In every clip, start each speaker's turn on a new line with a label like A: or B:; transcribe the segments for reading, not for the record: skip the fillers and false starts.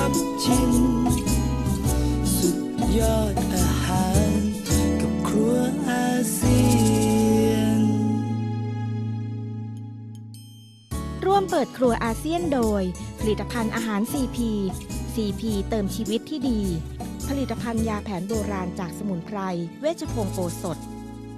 A: อบชิมสุดยอดอาหารกับครัวอาเซียน
B: ร่วมเปิดครัวอาเซียนโดยผลิตภัณฑ์อาหาร CP เติมชีวิตที่ดีผลิตภัณฑ์ยาแผนโบราณจากสมุนไพรเวชพงศ์โอสถ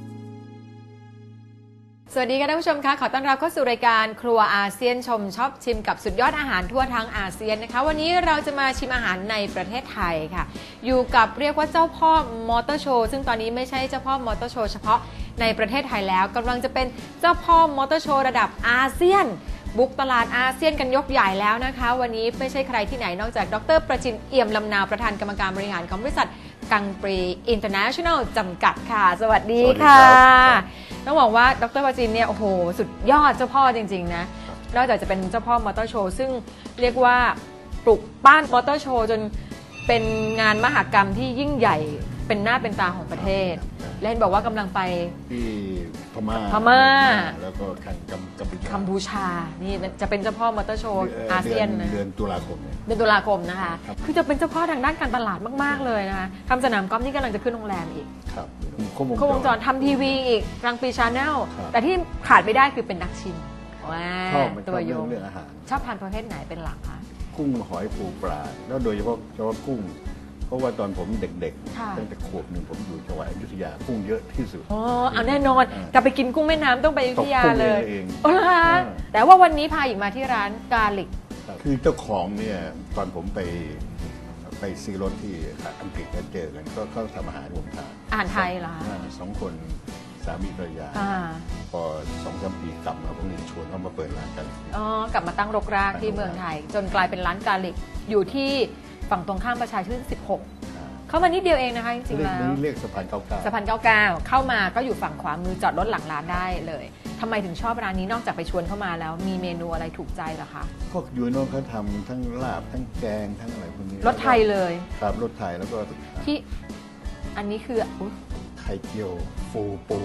C: สวัสดีค่ะท่านผู้ชมคะขอต้อนรับเข้าสู่รายการครัวอาเซียนชมชอบชิมกับสุดยอดอาหารทั่วทั้งอาเซียนนะคะวันนี้เราจะมาชิมอาหารในประเทศไทยค่ะอยู่กับเรียกว่าเจ้าพ่อมอเตอร์โชว์ซึ่งตอนนี้ไม่ใช่เจ้าพ่อมอเตอร์โชว์เฉพาะในประเทศไทยแล้วกำลังจะเป็นเจ้าพ่อมอเตอร์โชว์ระดับอาเซียนบุกตลาดอาเซียนกันยกใหญ่แล้วนะคะวันนี้ไม่ใช่ใครที่ไหนนอกจากดร.ประจินเอี่ยมลำนาวประธานกรรมการบริหารของบริษัทกังปรีอินเตอร์เนชั่นแนลจำกัดค่ะสวัสดีค่ะต้องบอกว่าดร.ประจินเนี่ยโอ้โหสุดยอดเจ้าพ่อจริงๆนะนอกจากจะเป็นเจ้าพ่อมอเตอร์โชว์ซึ่งเรียกว่าปลุกปั้นมอเตอร์โชว์จนเป็นงานมหกรรมที่ยิ่งใหญ่เป็นหน้าเป็นตาของประเทศและเห็นบอกว่ากำลังไป
D: ที่พม่าแล้วก็
C: กัมพูชานี่จะเป็นเจ้าพ่อมอเตอร์โชว์อาเซียนนะ
D: เดือนตุลาคม
C: นะคะคือจะเป็นเจ้าพ่อทางด้านการตลาดมากๆเลยนะคะทำสนามกอล์ฟนี่กำลังจะขึ้นโรงแรมอีก
D: ครับ
C: ครบวงจรทำทีวีอีกกลางปีชาแนลแต่ที่ขาดไม่ได้คือเป็นนักชิมตัวยงชอบทานประเภทไหนเป็นหลักคะ
D: กุ้งหอยปูปลาแล้วโดยเฉพาะกุ้งเพราะว่าตอนผมเด็กๆตั้งแต่ขวบหนึ่งผมอยู่จังหวัดอยุธยากุ้งเยอะที่สุด
C: เอาแน่นอนกลับไปกินกุ้งแม่น้ำต้องไปอยุธยาเลยแต่ว่าวันนี้พาอีกมาที่ร้านกาลิก
D: คือเจ้าของเนี่ยตอนผมไปซื้อรถที่อังกฤษเจอกันก็เขาทำอาหารผมทาน
C: อาหารไทยเหรอ
D: 2 คนสามีภรรยาพอ2-3 ปีกลับมาผมเลยชวนเขามาเปิดร้านกัน
C: กลับมาตั้งรกรากที่เมืองไทยจนกลายเป็นร้านกาลิกอยู่ที่ฝั่งตรงข้ามประชาชื่น16เข้ามานิดเดียวเองนะคะจริงๆแล้ว
D: เรียกสะพาน99
C: เข้ามาก็อยู่ฝั่งขวามือจอดรถหลังร้านได้เลยทำไมถึงชอบร้านนี้นอกจากไปชวนเข้ามาแล้วมีเมนูอะไรถูกใจเหรอคะ
D: พวกยูโน่เขาทำทั้งลาบทั้งแกงทั้งอะไรพวกนี้
C: รสไทยเลย
D: ครับรสไทยแล้วก็
C: ที่อันนี้คือ
D: ไข่เจียวปู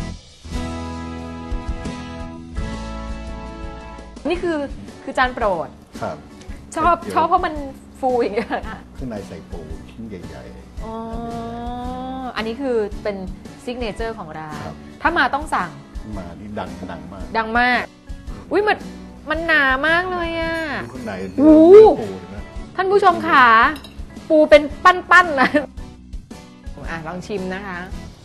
C: นี่คือจานโปรด
D: ครับ
C: ชอบเพราะมันฟูอย่างเงี้ยค่ะ
D: ข้างในใส่ปูชิ้นใหญ่
C: ๆอันนี้คือเป็นซิกเนเจอร์ของร้านถ้ามาต้องสั่ง
D: มานี่ดัง
C: มากอุ้ยมันหนามากเลยอ่ะ
D: ข้างใน
C: ปูนะท่านผู้ชมขาปูเป็นปั้นๆนะลองชิมนะคะ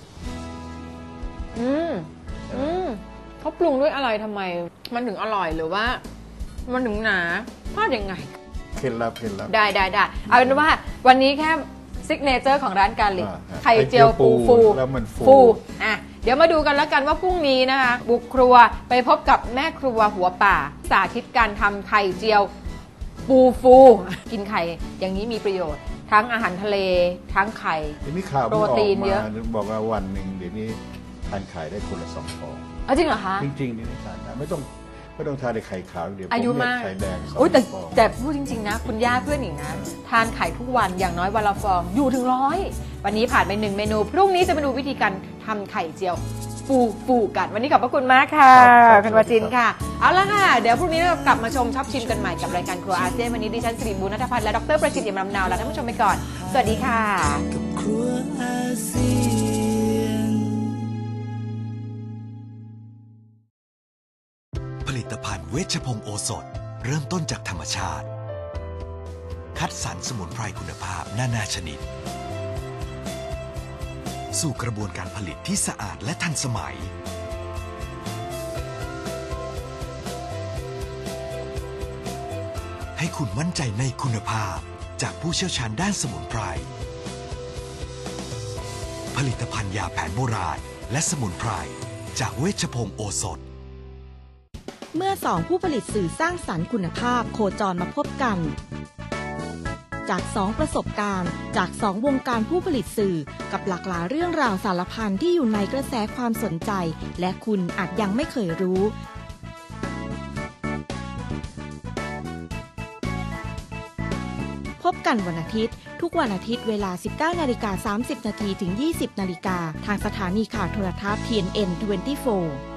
C: เขาปรุงด้วยอะไรทำไมมันถึงอร่อยหรือว่ามันถึงหนาพลาดยังไง
D: เคล็ดลับ
C: ได้เอาเป็นว่าวันนี้แค่ซิกเนเจอร์ของร้านกาลิกไข่เจียวปู
D: แล้วมัน
C: ฟูเดี๋ยวมาดูกันแล้วกันว่าพรุ่งนี้นะคะบุกครัวไปพบกับแม่ครัวหัวป่าสาธิตการทำไข่เจียวฟูกินไข่อย่างนี้มีประโยชน์ทั้งอาหารทะเลทั้งไข่โปรตีนเยอะ
D: บอกว่าวันหนึ่งเดี๋ยวนี้ทานไข่ได้คนละ2 ฟอง
C: จริงเหรอคะ
D: จริงนี่ทานได้ไม่ต้องทานในไข่ขาวเดี๋ยว
C: อายุมาก
D: ไข่แดง
C: แต่พูดจริงๆนะคุณย่าเพื่อนหนิงนะทานไข่ทุกวันอย่างน้อยวันละฟองอยู่ถึง100วันนี้ผ่านไป1 เมนูพรุ่งนี้จะมาดูวิธีการทำไข่เจียวฟูกันวันนี้ขอบพระคุณมากค่ะคุณวจินค่ะเอาละค่ะเดี๋ยวพรุ่งนี้เรากลับมาชมชอบชิมกันใหม่กับรายการครัวอาเซียนวันนี้ดิฉันสิริบุญณัฐพัฒน์และดร.ประจิตร เอี่ยมลำนาวลาท่านผู้ชมไปก่อนสวัสดีค่ะ
A: กับครัวอาเซียน
E: ผลิตภัณฑ์เวชพงศ์โอสถเริ่มต้นจากธรรมชาติคัดสรรสมุนไพรคุณภาพนานาชนิดสู่กระบวนการผลิตที่สะอาดและทันสมัยให้คุณมั่นใจในคุณภาพจากผู้เชี่ยวชาญด้านสมุนไพรผลิตภัณฑ์ยาแผนโบราณและสมุนไพรจากเวชพงศ์โอสถ
B: เมื่อ2ผู้ผลิตสื่อสร้างสรรค์คุณภาพโคจรมาพบกันจาก2ประสบการณ์จาก2วงการผู้ผลิตสื่อกับหลากหลายเรื่องราวสารพันที่อยู่ในกระแสความสนใจและคุณอาจยังไม่เคยรู้พบกันวันอาทิตย์ทุกวันอาทิตย์เวลา 19:30 น. ถึง 20:00 น. ทางสถานีข่าวโทรทัศน์ TNN 24